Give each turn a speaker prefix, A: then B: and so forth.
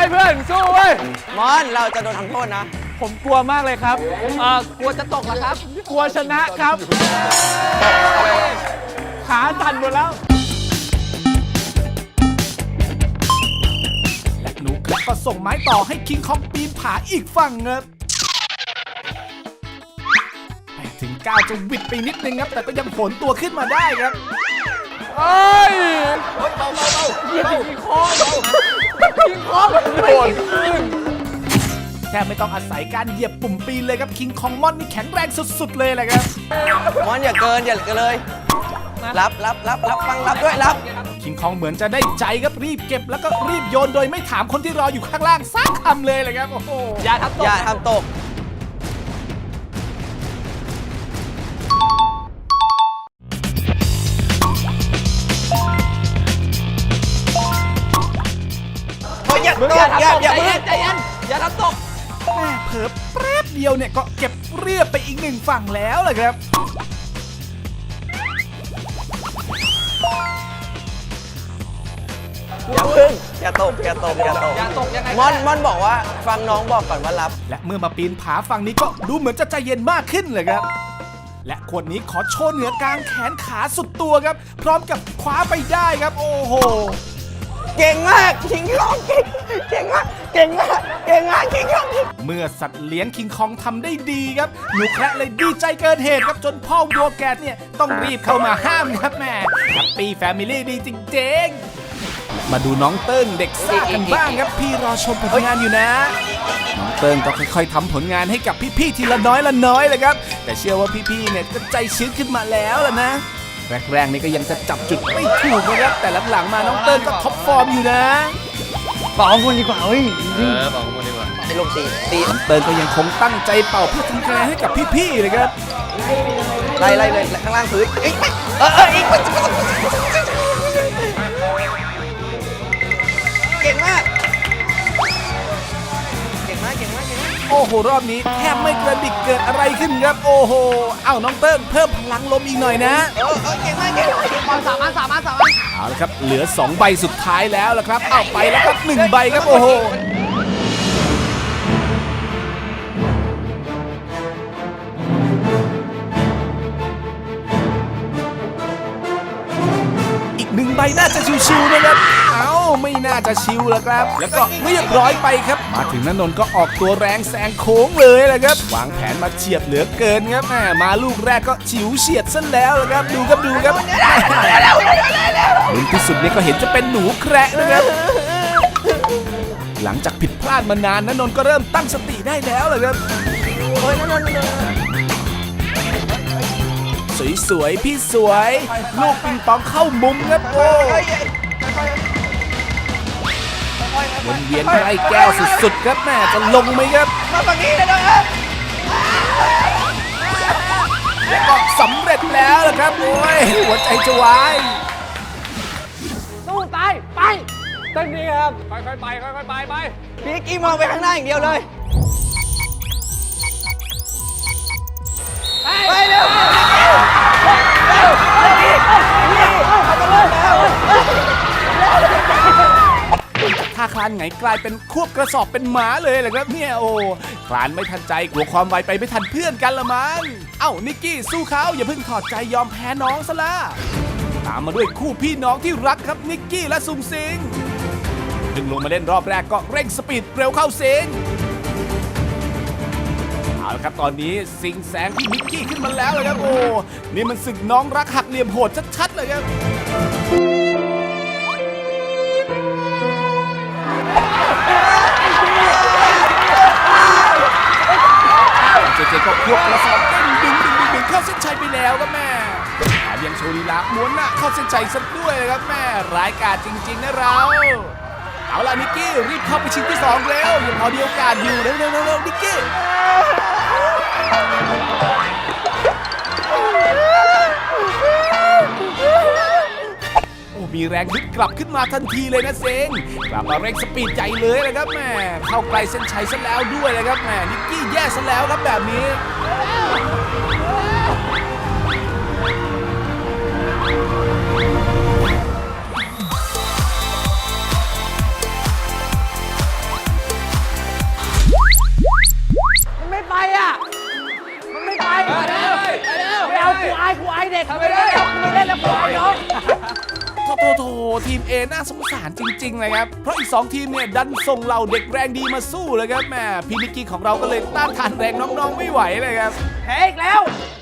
A: เพื่อนสู้เว้ย
B: มอนเราจะโดนทำโทษนะ
A: ผมกลัวมากเลยครับ
B: กลัวจะตกเหรอครับ
A: กลัวชนะครับขาสั่นหมดแล้ว
C: และหนูแคระก็ส่งไม้ต่อให้คิงคองปีนผาอีกฝั่งครับถึงก้าวจะหวิดไปนิดนึงครับแต่ก็ยังผลตัวขึ้นมาได้ครับ
A: เอ้ยยิงคอยิงคอโดน
C: แค่ไม่ต้องอาศัยการเหยียบปุ่มปีนเลยครับคิงคองมอนนี่แข็งแรงสุดๆเลยแหละครับ
B: มอนอย่าเกินเลยรับฟังรับด้วยรับ
C: คิงคองเหมือนจะได้ใจครับรีบเก็บแล้วก็รีบโยนโดยไม่ถามคนที่รออยู่ข้างล่างสักคำเลยเลยครับโอ้โห
B: อย่าทำตกอย่าทำตกใจเย็นอย่าทำตก
C: แม่เผลอแป๊บเดียวเนี่ยก็เก็บเรียบไปอีกหนึ่งฝั่งแล้วเลยครับ
B: อย่าตกยังไงมอนบอกว่าฟังน้องบอกก่อนว่ารับ
C: และเมื่อมาปีนผาฝั่งนี้ก็ดูเหมือนจะใจเย็นมากขึ้นเลยครับและคนนี้ขอโชว์เหนือกลางแขนขาสุดตัวครับพร้อมกับคว้าไปได้ครับโอ้โห
B: เก่งมากคิงคองเก่งมากคิงคอง
C: เมื่อสัตว์เลี้ยงคิงคองทำได้ดีครับหนูแคระเลยดีใจเกินเหตุครับจนพ่อวัวแกดเนี่ยต้องรีบเข้ามาห้ามครับแม่แฮปปี้แฟมิลี่ดีจริงๆมาดูน้องเติ้งเด็กซ่ากันบ้างครับพี่รอชมผลงานอยู่นะน้องเติ้งก็ค่อยๆทำผลงานให้กับพี่ๆทีละน้อยเลยครับแต่เชื่อว่าพี่ๆเนี่ยก็ใจชื้นขึ้นมาแล้วล่ะนะแรกๆนี่ก็ยังจะจับจุดไม่ถูกนะครับแต่หลังๆมาน้องเติ้งก็ท็อปฟอร์มอยู่นะ
A: เป่าคนดีกว่าเฮ้ย
B: เป่าคนดีกว่าไอ้ลงตี
C: น้องเติ้งก็ยังคงตั้งใจเป่าเพื่อทำคะแนนให้กับพี่ๆเลยครับ
B: ไล่เลยข้างล่างพื้นเก่งมาก
C: โอ้โหรอบนี้แทบไม่กระดิกเกิดอะไรขึ้นครับโอ้โหเอ้าน้องเติ้งเพิ่มพลังลมอีกหน่อยนะ
B: เก่งมากสามอัน
C: เอาละครับเหลือ2ใบสุดท้ายแล้วละครับเอาไปแล้วครับ1ใบครับโอ้โห1ใบน่าจะชิวๆนะครับไม่น่าจะชิวแล้วครับแล้วก็เรียบร้อยไปครับมาถึงณนนท์ก็ออกตัวแรงแซงโค้งเลยแหละครับวางแผนมาเฉียดเหลือเกินครับมาลูกแรกก็ฉิวเฉียดซะแล้วละครับดูครับลุ้นที่สุดเนี่ยก็เห็นจะเป็นหนูแคระนะครับหลังจากผิดพลาดมานานณนนท์ก็เริ่มตั้งสติได้แล้วเลยครับสวยๆพี่สวยลูกปิงปองเข้ามุมครับโอ้วนเวียนใกล้แก้วสุดๆครับแม่จะลงไหมครับ
B: มาฝั่งนี้เลยนะครับ
C: และก็สำเร็จแล้วนะครับโอ้ยหัวใจจะวาย
A: สู้ตายไปตั้งดีครับค่อยๆไป
B: พี่กี้มองไปข้างหน้าอย่างเดียวเลยไปเร็ว
C: ถ้าคลานไงกลายเป็นควบกระสอบเป็นหมาเลยแหละครับเนี่ยโอ้คลานไม่ทันใจกลัวความไวไปไม่ทันเพื่อนกันละมั้งเอ้านิกกี้สู้เขาอย่าเพิ่งถอดใจยอมแพ้น้องซะละตามมาด้วยคู่พี่น้องที่รักครับนิกกี้และซุงซิงดึงลงมาเล่นรอบแรกก็เร่งสปีดเร็วเข้าซิงเอาละครับตอนนี้ซิงแซงพี่นิกกี้ขึ้นมาแล้วเลยครับโอ้นี่มันศึกน้องรักหักเหลี่ยมโหดชัดๆเลยครับเจก็ควบกระสอบเต้นดึงเข้าเส้นชัยไปแล้วครับแม่แถมยังโชว์ลีลาม้วนหน้าเข้าเส้นชัยซะด้วยครับแม่ร้ายกาจจริงๆนะเราเอาล่ะนิกกี้รีบเข้าไปชิงที่2แล้วยังพอมีโอกาสอยู่เร็วนิกกี้มีแรงฮึดกลับขึ้นมาทันทีเลยนะเซงกลับมาเร่งสปีดใหญ่เลยนะครับแม่เข้าใกล้เส้นชัยซะแล้วด้วยนะครับแม่นิกกี้แย่ซะแล้วครับแบบนี้
B: ายครูอายเด็กไม่ได้แล้วไม่เล่นแล้วครูอายน้อง
C: โถทีม A น่าสงสารจริงๆเลยครับเพราะอีก2ทีมเนี่ยดันส่งเหล่าเด็กแรงดีมาสู้เลยครับแม่พี่นิกกี้ของเราก็เลยต้านทานแรงน้องๆไม่ไหวเลยครับ
B: แพ้อีกแล้ว